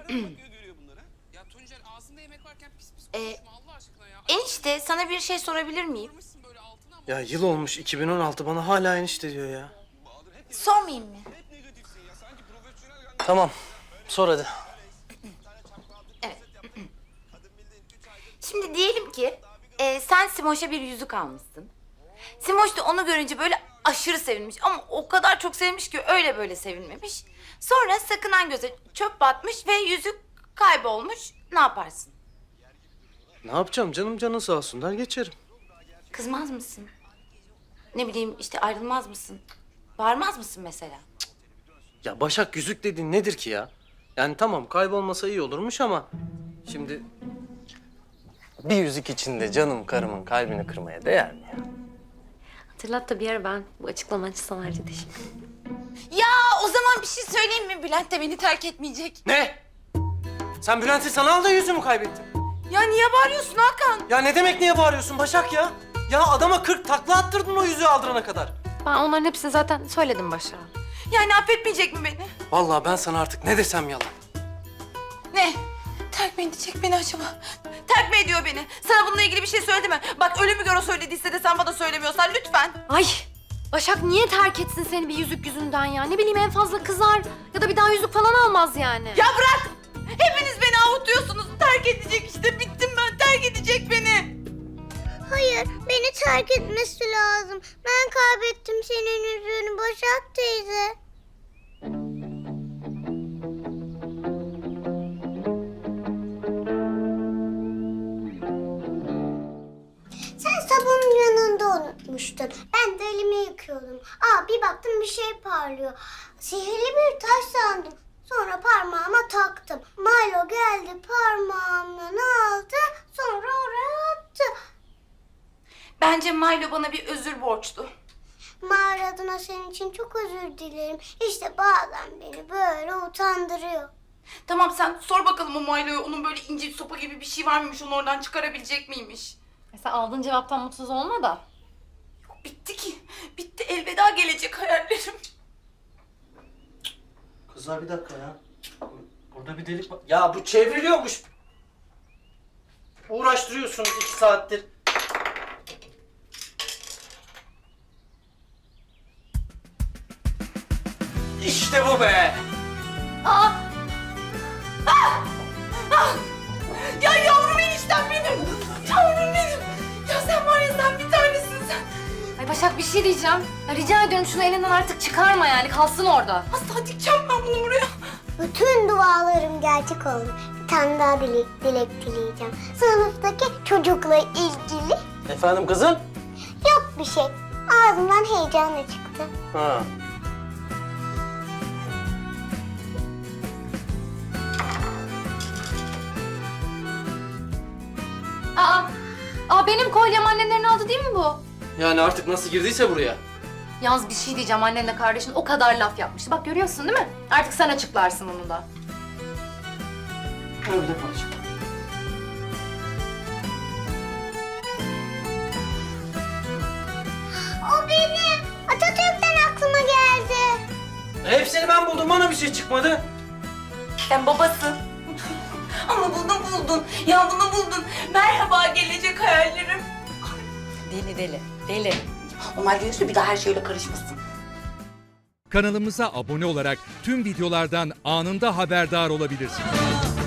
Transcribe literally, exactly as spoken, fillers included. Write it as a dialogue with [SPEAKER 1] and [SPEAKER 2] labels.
[SPEAKER 1] Ya Tuncer ağzında yemek varken pis pis
[SPEAKER 2] Ee,
[SPEAKER 1] konuşma Allah aşkına ya.
[SPEAKER 2] Enişte sana bir şey sorabilir miyim?
[SPEAKER 1] Almışsın böyle altına ama.
[SPEAKER 3] Ya yıl olmuş iki bin on altı, bana hala enişte diyor ya.
[SPEAKER 2] Sormayayım mı?
[SPEAKER 3] Tamam, sor hadi.
[SPEAKER 2] Evet. Şimdi diyelim ki e, sen Simoş'a bir yüzük almışsın. Simoş da onu görünce böyle aşırı sevinmiş ama o kadar çok sevmiş ki öyle böyle sevinmemiş. Sonra sakınan göze çöp batmış ve yüzük kaybolmuş. Ne yaparsın?
[SPEAKER 3] Ne yapacağım canım, canın sağ olsun der geçerim.
[SPEAKER 2] Kızmaz mısın? Ne bileyim işte ayrılmaz mısın? Bağırmaz mısın mesela?
[SPEAKER 3] Ya Başak, yüzük dediğin nedir ki ya? Yani tamam, kaybolmasa iyi olurmuş ama... Şimdi... Bir yüzük içinde canım karımın kalbini kırmaya değer mi ya?
[SPEAKER 4] Hatırlat da bir ara ben bu açıklaman için sana ayrıca teşekkür ederim.
[SPEAKER 2] Ya o zaman bir şey söyleyeyim mi? Bülent de beni terk etmeyecek.
[SPEAKER 3] Ne? Sen Bülent'in sana aldığı yüzüğü kaybettin?
[SPEAKER 2] Ya niye bağırıyorsun Hakan?
[SPEAKER 3] Ya ne demek niye bağırıyorsun Başak ya? Ya adama kırk takla attırdın o yüzüğü aldırana kadar.
[SPEAKER 4] Ben onların hepsini zaten söyledim Başak'a.
[SPEAKER 2] Yani affetmeyecek mi beni?
[SPEAKER 3] Vallahi ben sana artık ne desem yalan.
[SPEAKER 2] Ne? Terk mi edecek beni acaba? Terk mi ediyor beni? Sana bununla ilgili bir şey söyledi mi? Bak ölümü gör o söylediyse de sen bana söylemiyorsan lütfen.
[SPEAKER 4] Ay! Başak niye terk etsin seni bir yüzük yüzünden ya? Ne bileyim en fazla kızar ya da bir daha yüzük falan almaz yani.
[SPEAKER 2] Ya bırak! Hepiniz beni avutuyorsunuz. Terk edecek işte. Bittim ben. Terk edecek beni.
[SPEAKER 5] Hayır, beni terk etmesi lazım. Ben kaybettim senin yüzüğünü Başak teyze. Sen sabunun yanında unutmuştun. Ben de elimi yıkıyordum. Aa, bir baktım bir şey parlıyor. Sihirli bir taş sandım. Sonra parmağıma taktım. Milo geldi parmağımdan aldı. Sonra oraya attı.
[SPEAKER 2] Bence Milo bana bir özür borçlu.
[SPEAKER 5] Mağara adına senin için çok özür dilerim. İşte bazen beni böyle utandırıyor.
[SPEAKER 2] Tamam sen sor bakalım o Milo'ya. Onun böyle ince sopa gibi bir şey var mıymış? Onu oradan çıkarabilecek miymiş?
[SPEAKER 4] E sen aldığın cevaptan mutsuz olma da.
[SPEAKER 2] Yok bitti ki. Bitti. Elveda gelecek hayallerim.
[SPEAKER 3] Kızlar bir dakika ya. Burada bir delik var. Ya bu çevriliyormuş. Uğraştırıyorsunuz iki saattir. İşte bu be.
[SPEAKER 2] Aa! Ah! Ah! Ya yavrum eniştem benim. Yavrum benim. Ya sen var ya sen bir tanesin sen.
[SPEAKER 4] Ay Başak bir şey diyeceğim. Ya rica ediyorum şunu elinden artık çıkarma yani kalsın orada.
[SPEAKER 2] Asla dikeceğim ben bunu buraya.
[SPEAKER 5] Bütün dualarım gerçek oldu. Bir tane daha dilek, dilek dileyeceğim. Sınıftaki çocukla ilgili
[SPEAKER 3] Efendim kızım?
[SPEAKER 5] yok bir şey. Ağzımdan heyecanla çıktı.
[SPEAKER 3] Ha.
[SPEAKER 4] Aa! Aa benim kolyem annenlerin aldı değil mi bu?
[SPEAKER 3] Yani artık nasıl girdiyse buraya.
[SPEAKER 4] Yalnız bir şey diyeceğim annenle kardeşin o kadar laf yapmıştı. Bak görüyorsun değil mi? Artık sen açıklarsın onu da.
[SPEAKER 3] Öyle parça.
[SPEAKER 5] O benim. Atatürk'ten aklıma geldi.
[SPEAKER 3] Hepsini ben buldum, bana bir şey çıkmadı.
[SPEAKER 2] Sen babasın. Ama bunu buldun. Ya bunu buldun. Merhaba gelecek hayallerim.
[SPEAKER 4] Deli deli. Deli.
[SPEAKER 2] Onlar diyorsa bir daha her şeyle karışmasın.
[SPEAKER 6] Kanalımıza abone olarak tüm videolardan anında haberdar olabilirsiniz.